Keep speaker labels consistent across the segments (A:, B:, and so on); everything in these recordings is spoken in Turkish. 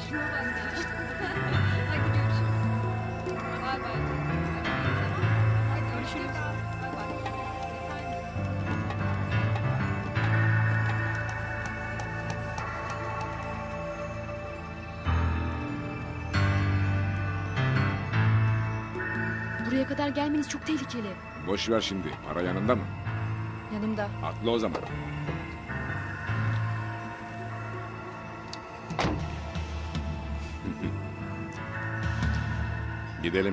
A: Hadi görüşürüz. Bay bay. Hadi görüşürüz. Bay bay. Efendim?
B: Buraya kadar gelmeniz çok tehlikeli.
C: Boş ver şimdi. Para yanında mı?
B: Yanımda.
C: Atla o zaman. Gidelim.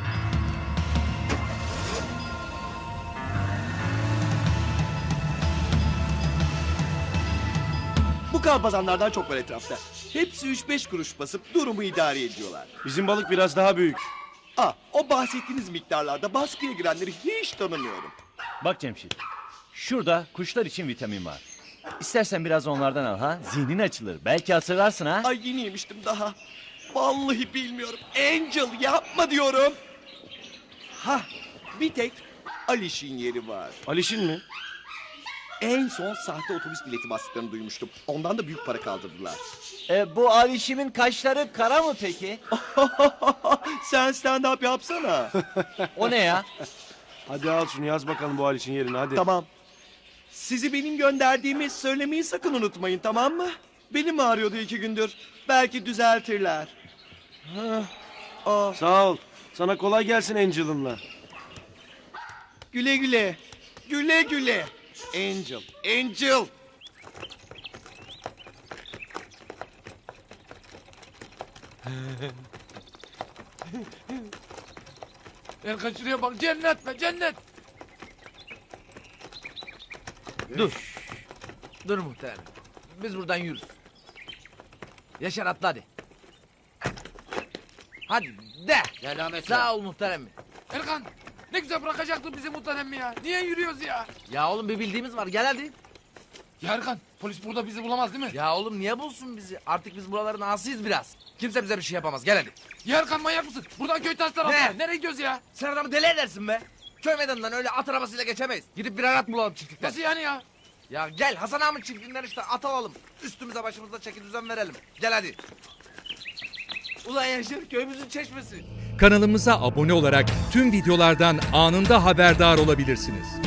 D: Bu kalpazanlardan çok var etrafta. Hepsi 3-5 kuruş basıp durumu idare ediyorlar.
E: Bizim balık biraz daha büyük.
D: O bahsettiğiniz miktarlarda baskıya girenleri hiç tanımıyorum.
F: Bak Cemşit, şurada kuşlar için vitamin var. İstersen biraz onlardan al ha, zihnin açılır. Belki hatırlarsın ha.
D: Ay yeni yemiştim daha. Vallahi bilmiyorum. Angel yapma diyorum. Bir tek Aliş'in yeri var.
E: Alişin mi?
D: En son sahte otobüs bileti bastıklarını duymuştum. Ondan da büyük para kaldırdılar.
F: Bu Alişim'in kaşları kara mı peki?
D: Sen stand-up yapsana.
F: O ne ya?
E: Hadi al şunu yaz bakalım bu Alişin yerini hadi.
D: Tamam. Sizi benim gönderdiğimi söylemeyi sakın unutmayın, tamam mı? Belim ağrıyordu 2 gündür. Belki düzeltirler.
E: Sağ ol. Sana kolay gelsin Angel'ınla.
D: Güle güle. Güle güle. Angel. Angel.
G: Erkan şuraya bak, cennet be cennet. Dur. Dur muhterem. Biz buradan yürürüz. Yaşar atla hadi. Hadi de. Sağ ol muhterem. Erkan ne güzel bırakacaktın bizi muhterem ya. Niye yürüyoruz ya?
H: Ya oğlum bir bildiğimiz var gel hadi.
G: Ya Erkan polis burada bizi bulamaz değil mi?
H: Ya oğlum niye bulsun bizi? Artık biz buraların asıyız biraz. Kimse bize bir şey yapamaz gel hadi.
G: Ya Erkan manyak mısın? Buradan köy taş tarafına.
H: Ne?
G: Nereye gidiyoruz ya?
H: Sen adamı deli edersin be. Köy meydanından öyle at arabasıyla geçemeyiz. Gidip bir arat bulalım çiftlikten.
G: Nasıl yani ya?
H: Ya gel Hasan Ahmet çiftliğinden işte at alalım. Üstümüze başımıza çeki düzen verelim. Gel hadi. Ulan Yaşar köyümüzün çeşmesi.
I: Kanalımıza abone olarak tüm videolardan anında haberdar olabilirsiniz.